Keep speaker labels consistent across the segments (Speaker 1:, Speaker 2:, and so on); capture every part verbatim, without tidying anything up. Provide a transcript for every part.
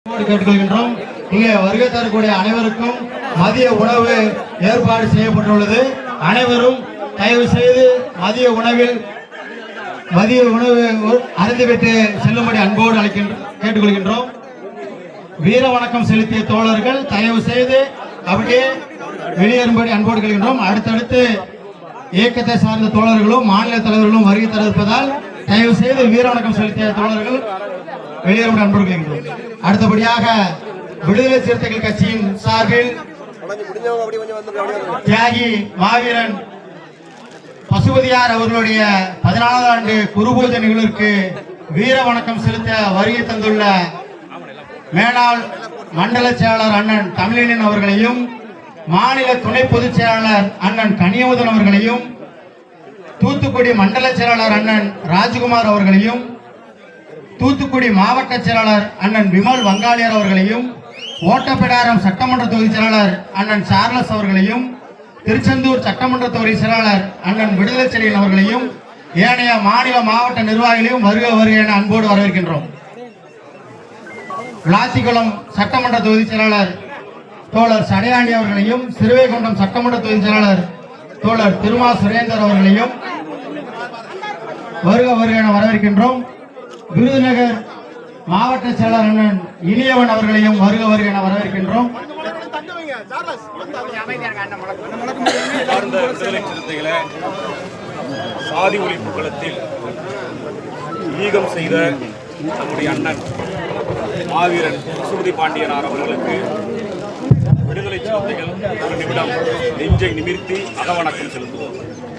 Speaker 1: கேட்டுக்கொள்கின்றோம். இங்கே வருகை தரக்கூடிய அனைவருக்கும் மதிய உணவு ஏற்பாடு செய்யப்பட்டுள்ளது. அனைவரும் தயவு செய்து மதிய உணவில் மதிய உணவு அருந்திவிட்டு செல்லும்படி அன்போடு அழைக்கின்ற கேட்டுக்கொள்கின்றோம். வீர வணக்கம் செலுத்திய தோழர்கள் தயவு செய்து அப்படியே வெளியேறும்படி அன்போடு கேட்கின்றோம். அடுத்தடுத்து இயக்கத்தை சார்ந்த தோழர்களும் மாநில தலைவர்களும் வருகை தர இருப்பதால் தயவு செய்து வீர வணக்கம் செலுத்திய தோழர்கள் வெளியேறும்படி அன்போடு கேட்கின்றோம். அடுத்தபடியாக விடுதலை சிறுத்தைகள் கட்சியின் சார்பில் தியாகி மாவீரன் பசுபதியார் அவர்களுடைய பதினாலாவது ஆண்டு குருபூஜை நிகழ்விற்கு வீர வணக்கம் செலுத்த வருகை தந்துள்ள மேலாள் மண்டல செயலாளர் அண்ணன் தமிழனின் அவர்களையும் மாநில துணை பொதுச் செயலாளர் அண்ணன் கனியமுதன் அவர்களையும் தூத்துக்குடி மண்டல செயலாளர் அண்ணன் ராஜ்குமார் அவர்களையும் தூத்துக்குடி மாவட்ட செயலாளர் அண்ணன் விமல் வங்காளியர் அவர்களையும் ஓட்டப்பிடாரம் சட்டமன்ற தொகுதி செயலாளர் அண்ணன் சார்லஸ் அவர்களையும் திருச்செந்தூர் சட்டமன்ற தொகுதி செயலாளர் அண்ணன் விடுதலை செழியன் அவர்களையும் ஏனைய மாநில மாவட்ட நிர்வாகிகளையும் வருக வருக என அன்போடு வரவேற்கின்றோம். விளாத்திக்குளம் சட்டமன்ற தொகுதி செயலாளர் தோழர் சடையாண்டி அவர்களையும் சிறுவைகுண்டம் சட்டமன்ற தொகுதி செயலாளர் தோழர் திருமா சுரேந்தர் அவர்களையும் வருக வருக என வரவேற்கின்றோம். விருதுநகர் மாவட்ட செயலாளர் அண்ணன் இனியவன் அவர்களையும் வருக வருக என வரவேற்கின்றோம்.
Speaker 2: சாதி ஒழிப்பு களத்தில் ஈகம் செய்த நம்முடைய அண்ணன் மாவீரன் பசுபதி பாண்டியனார் அவர்களுக்கு விடுதலை சிறுத்தைகள் ஒரு நிமிடம் நெஞ்சை நிமிர்த்தி அகவணக்கம் செலுத்துவோம்.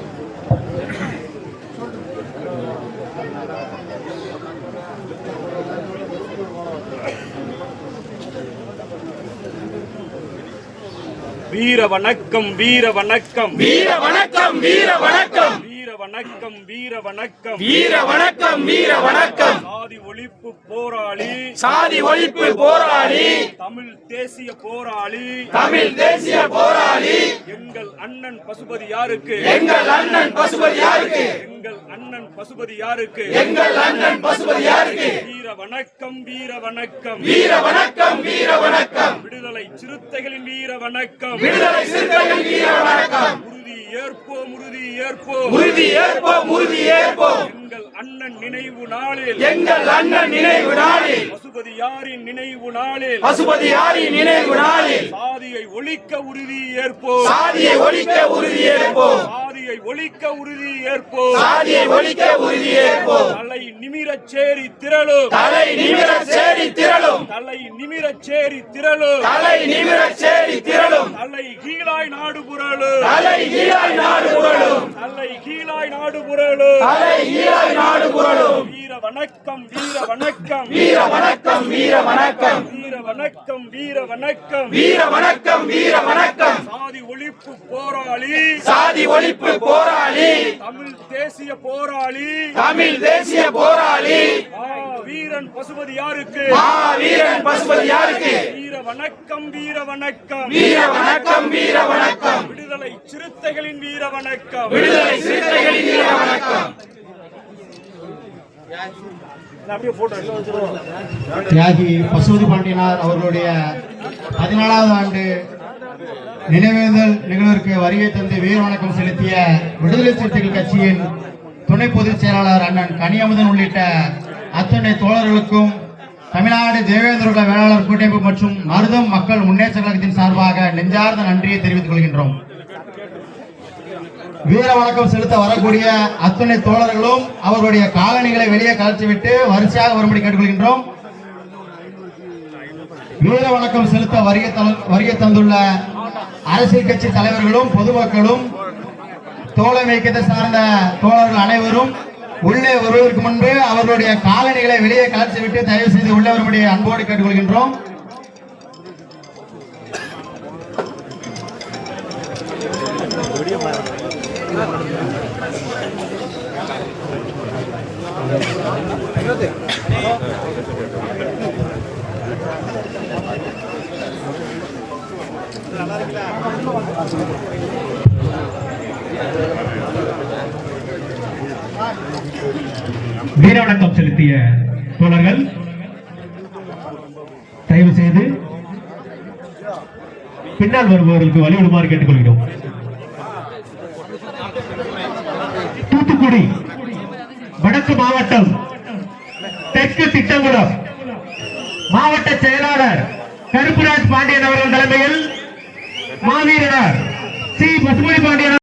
Speaker 2: வீர வணக்கம் வீர வணக்கம்
Speaker 3: வீர வணக்கம் வீர வணக்கம்
Speaker 2: வீர வணக்கம் வீர வணக்கம்
Speaker 3: வீர வணக்கம் வீர வணக்கம்
Speaker 2: சாதி ஒழிப்பு போராளி
Speaker 3: சாதி ஒழிப்பு போராளி
Speaker 2: தமிழ் தேசிய போராளி
Speaker 3: தமிழ் தேசிய போராளி
Speaker 2: எங்கள் அண்ணன் பசுபதி யாருக்கு
Speaker 3: எங்கள் அண்ணன் பசுபதி யாருக்கு
Speaker 2: எங்கள் அண்ணன் பசுபதி யாருக்கு
Speaker 3: எங்கள் அண்ணன் பசுபதி யாருக்கு
Speaker 2: வீர வணக்கம் வீர வணக்கம்
Speaker 3: வீர வணக்கம் வீர வணக்கம்
Speaker 2: விடுதலை சிறுத்தைகளின் வீர வணக்கம்
Speaker 3: விடுதலை சிறுத்தைகள் வீர வணக்கம்
Speaker 2: உறுதி ஏற்போம் உறுதி ஏற்போம்
Speaker 3: உறுதி ஏற்போம் உறுதி ஏற்போம்
Speaker 2: எங்கள் அண்ணன் நினைவு நாளில்
Speaker 3: எங்கள் அண்ணன் நினைவு நாளில்
Speaker 2: பசுபதி யாரின் நினைவு நாளில்
Speaker 3: பசுபதி யாரின் நினைவு நாளில்
Speaker 2: சாதியை ஒழிக்க உறுதி ஏற்போம்
Speaker 3: சாதியை ஒழிக்க உறுதி ஏற்போம்
Speaker 2: சாதியை ஒழிக்க உறுதி ஏற்போம்
Speaker 3: சாதியை ஒழிக்க உறுதி ஏற்போம்
Speaker 2: தலை நிமிரச் சேரி திரளும்
Speaker 3: தலை நிமிரச் சேரி திரளும்
Speaker 2: தலை நிமிரச் சேரி திரளும்
Speaker 3: தலை நிமிரச் சேரி திரளும்
Speaker 2: தலை கீழாய் நாடு புரளும்
Speaker 3: தலை ஈழாய் நாடு புரளும்
Speaker 2: தலை கீழாய் நாடு புரளும்
Speaker 3: தலை ஈழாய் நாடு புரளும்
Speaker 2: வீர வணக்கம் வீர வணக்கம்
Speaker 3: வீர வணக்கம் வீர வணக்கம்
Speaker 2: வீர வணக்கம் வீர வணக்கம்
Speaker 3: வீர வணக்கம் வீர வணக்கம்
Speaker 2: சாதி ஒழிப்பு போராளி
Speaker 3: சாதி ஒழிப்பு போராளி
Speaker 2: தமிழ் தேசிய போராளி
Speaker 3: தமிழ் தேசிய போராளி
Speaker 2: ஆ வீரன் பசுபதி யாருக்கு
Speaker 3: மா வீரன் பசுபதி யாருக்கு
Speaker 2: வீர வணக்கம் வீர வணக்கம்
Speaker 3: வீர வணக்கம் வீர வணக்கம்
Speaker 2: விடுதலை சிறுத்தைகளின் வீர வணக்கம்
Speaker 3: விடுதலை சிறுத்தைகளின் வீர வணக்கம்
Speaker 1: தியாகி பசுபதி பாண்டியனார் அவர்களுடைய பதினாலாவது ஆண்டு நினைவேந்தல் நிகழ்விற்கு வருகை தந்து வீர வணக்கம் செலுத்திய விடுதலை சிறுத்தைகள் கட்சியின் துணை பொதுச் செயலாளர் அண்ணன் கனியமுதன் உள்ளிட்ட அத்தனை தோழர்களுக்கும் தமிழ்நாடு தேவேந்திர வேளாளர் கூட்டமைப்பு மற்றும் மருதம் மக்கள் முன்னேற்ற கழகத்தின் சார்பாக நெஞ்சார்ந்த நன்றியை தெரிவித்துக் கொள்கின்றோம். வீர வணக்கம் செலுத்த வரக்கூடிய அத்தனை தோழர்களும் அவர்களுடைய காலணிகளை வெளியே கலற்றிவிட்டு வரிசையாக வரும்படி கேட்டுக்கொள்கின்றோம். வீர வணக்கம் செலுத்த வருகை வருகை தந்துள்ள அரசியல் கட்சி தலைவர்களும் பொதுமக்களும் தோழமை இயக்கத்தை சார்ந்த தோழர்கள் அனைவரும் உள்ளே வருவதற்கு முன்பு அவர்களுடைய காலணிகளை வெளியே கலற்றிவிட்டு தயவு செய்து உள்ளே வரும்படி அன்போடு கேட்டுக்கொள்கின்றோம். வீர வணக்கம் செலுத்திய தோழர்கள்
Speaker 4: தயவு செய்து பின்னால் வருபவர்களுக்கு வழிவிடுமாறு கேட்டுக்கொள்கிறோம். தூத்துக்குடி வடக்கு மாவட்டம் தெற்கு திட்டங்குளம் மாவட்ட செயலாளர் கருப்புராஜ் பாண்டியன் அவர்கள் தலைமையில் மாவீரர் சி பசுமணி பாண்டியன்